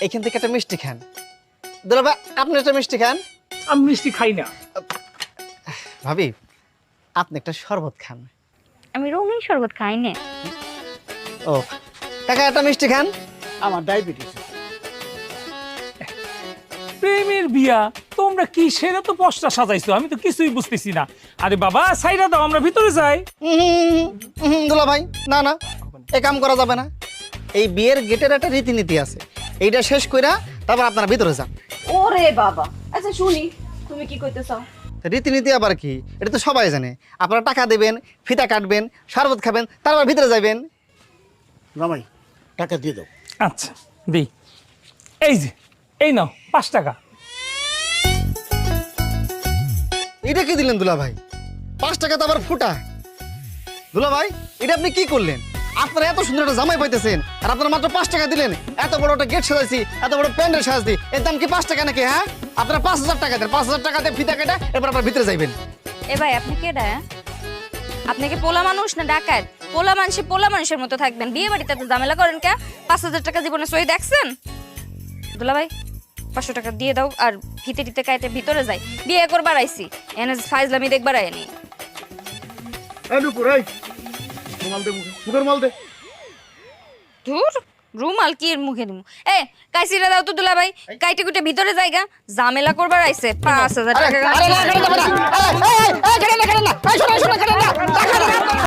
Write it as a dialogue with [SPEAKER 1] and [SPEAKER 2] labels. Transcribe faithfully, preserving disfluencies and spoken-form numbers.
[SPEAKER 1] এইখান থেকে একটা মিষ্টি খান। দুলা ভাই আপনি একটা মিষ্টি খান।
[SPEAKER 2] আমি মিষ্টি খাই না।
[SPEAKER 1] ভাবি আপনি একটা শরবত খান।
[SPEAKER 3] আমি রঙিন শরবত খাই না।
[SPEAKER 1] ও কাকা একটা মিষ্টি খান।
[SPEAKER 4] আমার ডায়াবেটিস।
[SPEAKER 2] প্রেমের বিয়া তোমরা কি সেটা তো পশটা সাজাইছো, আমি তো কিছুই বুঝতেছি না। আরে বাবা সাইরা দাও, আমরা ভিতরে যাই।
[SPEAKER 1] দুলা ভাই না না এ কাম করা যাবে না। এই বিয়ের গেটের একটা রীতিনীতি আছে, এইটা শেষ কইরা তারপর আপনারা ভিতরে যান।
[SPEAKER 5] ওরে বাবা, আচ্ছা শুনি তুমি কি কইতে চাও?
[SPEAKER 1] রীতিনীতি আবার কি, এটা তো সবাই জানে। আপনারা টাকা দেবেন, ফিতা কাটবেন, শরবত খাবেন, তারপর ভিতরে যাবেন।
[SPEAKER 4] জামাই টাকা দিয়ে দাও।
[SPEAKER 2] আচ্ছা দিই, এই যে এই নাও পাঁচ টাকা।
[SPEAKER 1] এটা কি দিলেন দুলা ভাই? পাঁচ টাকা তো আবার ফুটা। দুলা ভাই এটা আপনি কি করলেন? আপনারা এত সুন্দর একটা জামাই পাইতেছেন আর আপনারা মাত্র পাঁচ টাকা দিলেন। এত বড় একটা গেট সাজাইছি, এত বড় প্যান্ডেল সাজাইছি, এর দাম কি পাঁচ টাকা নাকি? হ্যাঁ আপনারা পাঁচ হাজার টাকা দেন, পাঁচ হাজার টাকা দিয়ে ফিতা কেটে এরপর আপনারা ভিতরে যাইবেন।
[SPEAKER 3] এ ভাই আপনি কেডা? আপনি কি পোলা মানুষ না ডাকাত? পোলা মানুষে পোলা মানুষের মতো থাকবেন, বিয়ে বাড়িতে এত ঝামেলা করেন কে? পাঁচ হাজার টাকা জীবনে সই দেখছেন? দুলা ভাই পাঁচশো টাকা দিয়ে দাও আর ফিতে টিতে কাইতে ভিতরে যাই, বিয়ে করবার আইছি, এনে ফাইজলামি দেখবার আইনি।
[SPEAKER 4] এই নুপুর এই মাল দে, মুখের মাল দে।
[SPEAKER 3] ধুর রুমাল কি এর মুখে দিমু? এ কাইছিরা দাও তো দুলা ভাই, কাইতে কুইতে ভিতরে যাইগা, ঝামেলা করবার আইছে। পাঁচ হাজার টাকা